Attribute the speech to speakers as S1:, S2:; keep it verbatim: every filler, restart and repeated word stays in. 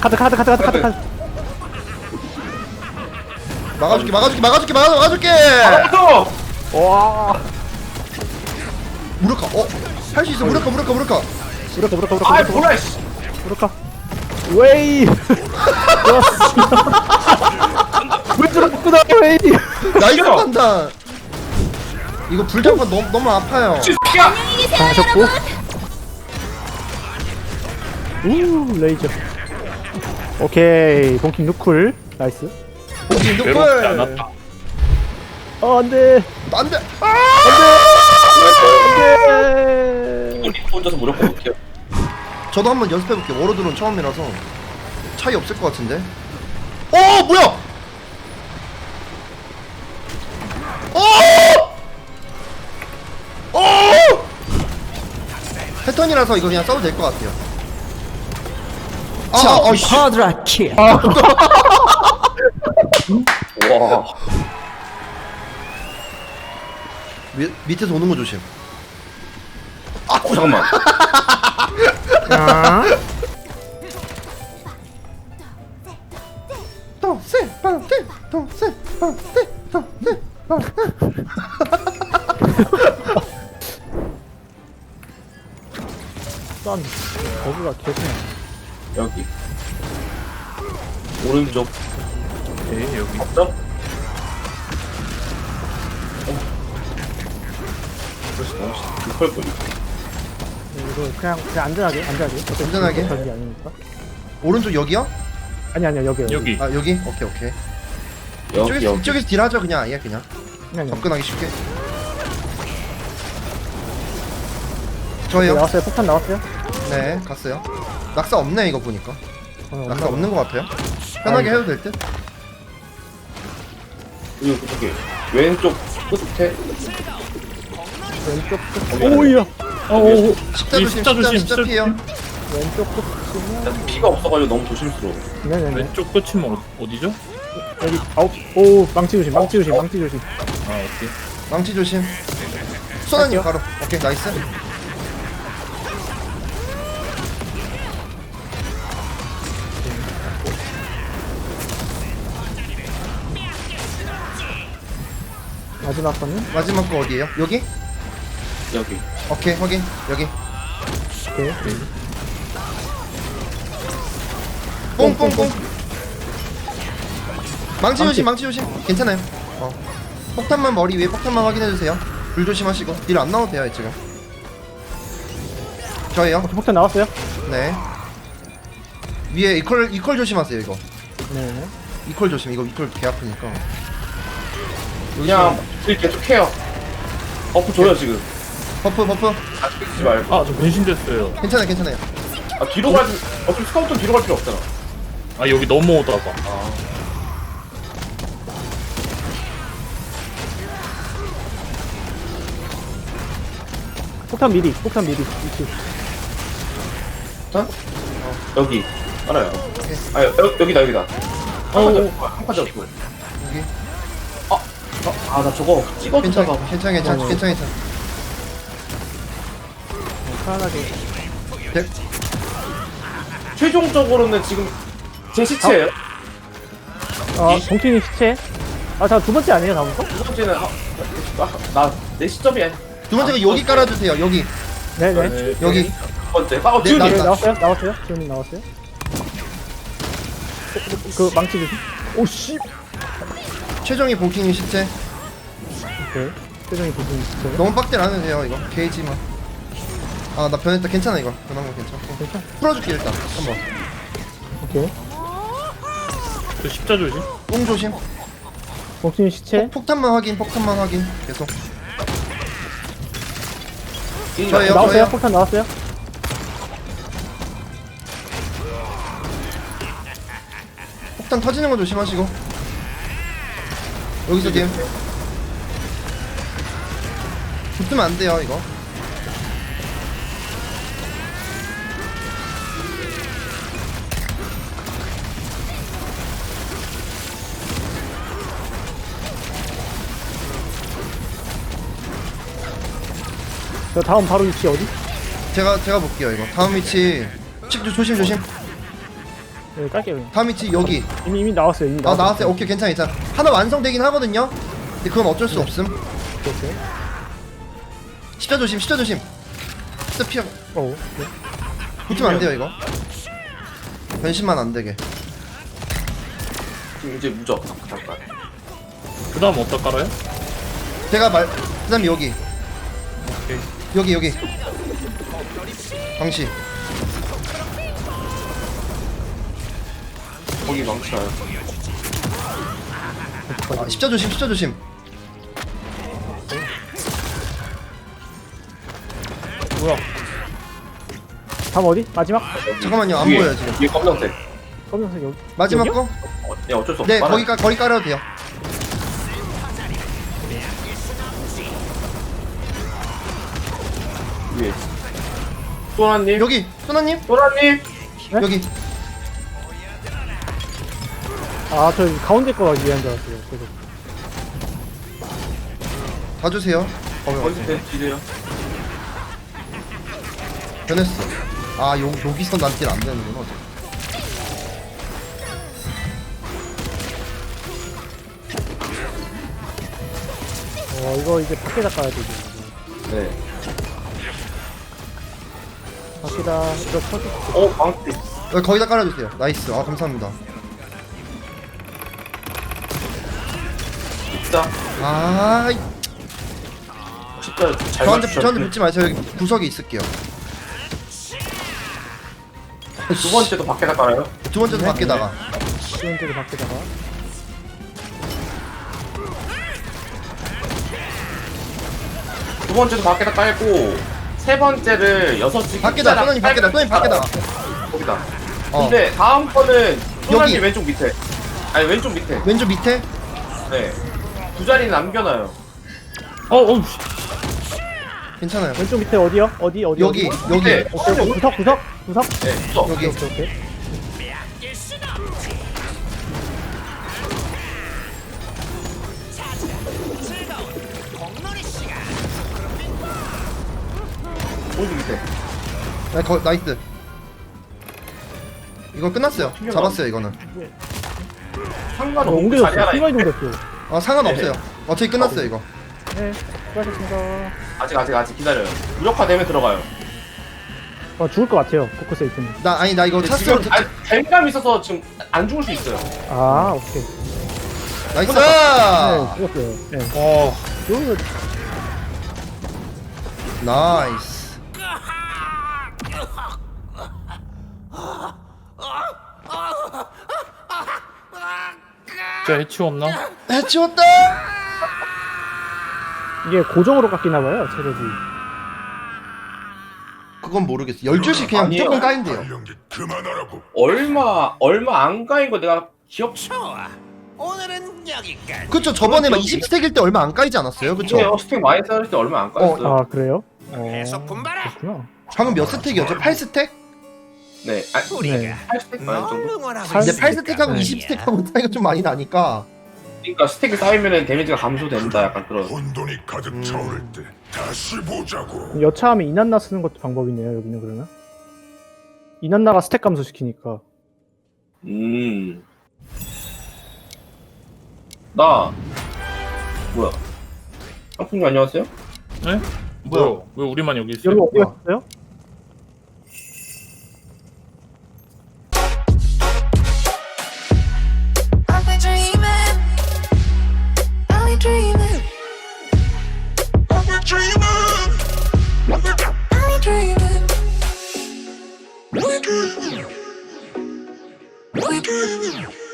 S1: 카드 카드 카드 카드 카드 카드.
S2: 막아줄게 막아줄게 막아줄게 막아- 막아줄게.
S3: 또!
S1: 와.
S2: 무력화. 어? 할 수 있어. 무력화 무력화 무력화.
S1: 무력화 무력화 무력화
S3: 아이
S1: 무력화
S3: 몰라 씨.
S1: 무력화. 웨이. 좋았어. 왜 저렇구나 웨이.
S2: 나이스
S3: 이겨.
S2: 판단. 이거 불장판 너무 너무 아파요.
S3: 야!
S1: 하셨고. 우 레이저. 오케이 동킹 누쿨 나이스.
S2: 오케이
S4: 외롭지
S2: 누쿨.
S4: 않았다.
S1: 어 안돼
S2: 안돼.
S1: 안돼.
S3: 우리 혼자서 무력화 못해요.
S2: 저도 한번 연습해볼게요. 워로드론 처음이라서 차이 없을 것 같은데. 어 뭐야? 어! 어! 패턴이라서 이거 그냥 써도 될 것 같아요. 아, 아, 아, 씨.
S5: 쿼드라킬.
S3: 와.
S2: 미, 밑에서 오는 거 조심.
S3: 아, 어, 잠깐만.
S1: 아.
S2: 동세 빵떼 동세 빵떼 동세 빵떼.
S1: 싼 거기가 개구나.
S3: 여기. 오른쪽.
S4: 네, 여기.
S3: 없어? 그래서 너무 급할 거니.
S1: 이거 그냥 그냥 안전하게 안전하게. 어차피
S2: 안전하게?
S1: 전기 아니니까.
S2: 오른쪽 여기요?
S1: 아니 아니야 여기
S4: 여기.
S2: 아 여기? 오케이 오케이.
S3: 여기,
S2: 이쪽에서
S3: 여기.
S2: 이쪽에서 딜하죠 그냥 아예 그냥
S1: 그냥
S2: 접근하기 쉽게.
S1: 여기.
S2: 저예요.
S1: 나왔어요. 폭탄 나왔어요.
S2: 네 갔어요. 낙사 없네 이거 보니까.
S1: 어,
S2: 낙사 없는 것 같아요. 편하게
S1: 아이고.
S2: 해도 될 듯.
S3: 여기, 저기. 왼쪽 끝에.
S1: 왼쪽 끝. 오이야. 어
S2: 십자
S4: 이
S2: 조심
S4: 십자
S2: 십자
S4: 조심,
S2: 십자
S4: 십자
S2: 피해요.
S1: 왼쪽 끝이면
S3: 나 피가 없어가지고 너무 조심스러워.
S1: 네네네.
S4: 왼쪽 끝이면 어, 어디죠?
S1: 여기 아홉. 오 망치 조심 망치 조심 망치 조심.
S4: 아, 오케이.
S2: 망치 조심. 소나님
S1: 할게요.
S2: 바로. 오케이 나이스.
S1: 마지막 거는
S2: 마지막 거 어디에요? 여기?
S3: 여기.
S2: 오케이 확인. 여기.
S1: 오케이.
S2: 뽕뽕뽕. 망치
S1: 망치.
S2: 조심 망치 조심. 괜찮아요. 어. 폭탄만 머리 위에 폭탄만 확인해 주세요. 불 조심하시고 딜 안 나와도 돼요 지금. 저예요.
S1: 오케이, 폭탄 나왔어요.
S2: 네. 위에 이퀄 이퀄 조심하세요 이거.
S1: 네네.
S2: 이퀄 조심. 이거 이퀄 개 아프니까.
S3: 그냥 딜 계속 해요. 버프 줘요, 지금.
S2: 버프 버프.
S3: 아, 뺏기지 말고.
S4: 아, 저 변신됐어요.
S2: 괜찮아요 괜찮아요.
S3: 아, 뒤로 가지. 어차피 스카우트는 뒤로 갈 필요 없잖아.
S4: 아, 여기 넘어오다가.
S3: 아.
S1: 폭탄 미리 폭탄 미리. 이쪽.
S3: 자? 어, 여기. 알아요.
S2: 오케이.
S3: 아, 여, 여기다, 여기다.
S4: 어,
S3: 한판 잡고.
S2: 여기.
S3: 아, 나 저거
S2: 괜찮아
S3: 찍어주다가.
S2: 괜찮아 괜찮아
S1: 어.
S2: 괜찮아 괜찮아.
S1: 편안하게.
S2: 백.
S3: 최종적으로는 지금 제 시체예요.
S1: 어 동킹이 시체. 아자 두 번째 아니에요 다음 거?
S3: 두 번째는 아, 나 내 시점이 아니.
S2: 두 번째가 여기 깔아주세요 여기.
S1: 네네.
S3: 네,
S2: 여기.
S3: 두 번째. 아, 어,
S2: 네,
S3: 지훈이.
S2: 나-
S1: 네
S2: 나-
S1: 나왔어요 나왔어요. 지훈이 나왔어요. 그 망치 조심. 오씨.
S2: 최종이 볼킹이 시체.
S1: 오케이. 표정이 보시면 시체.
S2: 너무 빡딜 안 해도 돼요 이거. 게이지만. 아 나 변했다. 괜찮아 이거. 변한 거 괜찮고.
S1: 괜찮.
S2: 풀어줄게 일단 한번.
S1: 오케이.
S4: 저 십자 조심.
S2: 뽕 조심.
S1: 동킹이 시체.
S2: 폭, 폭탄만 확인 폭탄만 확인 계속.
S3: 딜이
S2: 저예요.
S1: 나왔어요.
S2: 저예요.
S1: 폭탄 나왔어요.
S2: 폭탄 터지는 거 조심하시고. 여기서 딜. 붙으면 안 돼요 이거.
S1: 저 다음 바로 위치 어디?
S2: 제가 제가 볼게요 이거. 다음 위치. 칙 조심 조심.
S1: 네, 깔게요. 그냥.
S2: 다음 위치 여기.
S1: 이미 이미 나왔어요. 이미
S2: 아
S1: 나왔어요.
S2: 나왔어요. 오케이 괜찮아 괜찮아. 하나 완성되긴 하거든요. 근데 그건 어쩔 수 없음.
S1: 오케이.
S2: 십자 조심 십자 조심. 십자 피하고.
S1: 어. 네.
S2: 붙으면 안 돼요 이거. 변신만 안 되게.
S3: 지금 이제 무적. 잠깐.
S4: 그 다음 어디다 깔아요?
S2: 제가 말. 그다음에 여기.
S4: 오케이.
S2: 여기 여기. 방시.
S3: 거기 망치나요?
S2: 아, 십자 조심 십자 조심.
S4: 뭐야?
S1: 다음 어디? 마지막?
S2: 잠깐만요 안
S3: 위에,
S2: 보여요 지금.
S3: 위에 검정색.
S1: 검정색 여기.
S2: 마지막
S1: 여기요?
S2: 거?
S3: 어, 네 어쩔 수 없어.
S2: 네
S3: 빨아.
S2: 거기 까 거기 깔아도 돼요.
S3: 위에. 소라님.
S2: 여기 소나님
S3: 소라님.
S1: 네?
S2: 여기.
S1: 아, 저 가운데 거 위한 줄 알았어요. 계속.
S2: 봐주세요.
S3: 어디 때 지세요?
S2: 변했어. 아 요, 여기서 난딜 안 되는구나.
S1: 어, 이거 이제 밖에다 까야 되지. 이거.
S3: 네.
S1: 밖에다 이거 터지.
S3: 어 망치.
S2: 여기 거기다 깔아주세요. 나이스. 아 감사합니다.
S3: 진짜.
S2: 아 이-
S3: 진짜 잘
S2: 저한테
S3: 맞추셨네.
S2: 저한테 붙지 마세요. 여기 구석에 있을게요.
S3: 두 번째도 밖에다 깔아요?
S2: 두 번째도
S1: 네.
S2: 밖에다가.
S1: 시원제도 밖에다가.
S3: 두 번째도 밖에다 깔고 세 번째를 여섯 시
S2: 밖에다. 소나님 밖에다. 소나님 밖에다.
S3: 거기다.
S2: 어.
S3: 근데 다음 거는 소나님
S2: 여기.
S3: 왼쪽 밑에. 아니 왼쪽 밑에.
S2: 왼쪽 밑에.
S3: 네. 두 자리 남겨놔요.
S4: 어, 어, 씨.
S2: 괜찮아요.
S1: 왼쪽 밑에 어디요? 어디 어디?
S2: 여기
S1: 어디?
S2: 여기.
S3: 네.
S1: 오케이, 오케이. 구석 구석 구석.
S3: 네. 또.
S2: 여기.
S1: 오케이 오케이.
S3: 오른쪽 밑에.
S2: 나 거, 나이스. 이거 끝났어요. 잡았어요 이거는.
S1: 어,
S3: 상관없는 자리
S1: 옮겨졌어.
S3: 하나
S1: 순간
S3: 있네.
S1: 이동됐어.
S2: 아 상관없어요. 어차피 끝났어요 이거.
S1: 네, 수고하셨습니다.
S3: 아직 아직 아직 기다려요. 무력화되면 들어가요.
S1: 아, 죽을 것 같아요. 포커스 에이트는.
S2: 나 아니 나 이거
S3: 근데
S2: 차스로
S3: 지금 아, 댐감 있어서 지금 안 죽을 수 있어요.
S1: 아, 오케이.
S2: 나이스.
S1: 네, 죽었어요. 네.
S4: 어,
S1: 여기서
S2: 나이스.
S4: 진짜 해치 없나?
S2: 해치웠다.
S1: 이게 고정으로 깎이나 봐요, 체력이.
S2: 그건 모르겠어. 열두 시 그냥
S3: 아니에요.
S2: 무조건 까인대요.
S3: 얼마 얼마 안 가인 거 내가 기억.
S5: 오늘은 여기까지.
S2: 그쵸 저번에 막 이십 스택일 때 얼마 안 까이지 않았어요? 그쵸?
S3: 이게 스택 많이 쌓을 때 얼마 안 까였어요.
S1: 아, 그래요? 어,
S5: 계속 군바라.
S1: 그렇구나.
S2: 방금 몇 스택이었죠? 팔 스택?
S3: 네. 아,
S5: 우리가
S1: 네.
S3: 팔 스택 많이
S5: 널
S3: 정도.
S5: 응원하고
S1: 팔-
S2: 근데 팔
S5: 있으니까
S2: 스택하고
S1: 네.
S2: 이십 스택하고 차이가 좀 많이 나니까.
S3: 그러니까 스택이 쌓이면은 데미지가 감소된다. 약간 그런.
S6: 혼돈이 가득 차오를 때 다시 보자고.
S1: 여차하면 이난나 쓰는 것도 방법이네요, 여기는 그러면. 이난나가 스택 감소시키니까.
S3: 음. 나 뭐야? 상품님 안녕하세요?
S4: 네? 뭐야? 왜 우리만 여기 있어요?
S1: 여러분 어디 갔어요?
S7: I've been dreaming. I've been dreaming.
S6: I've been dreaming.
S7: I've been dreaming.
S6: We're dreaming. We're dreaming.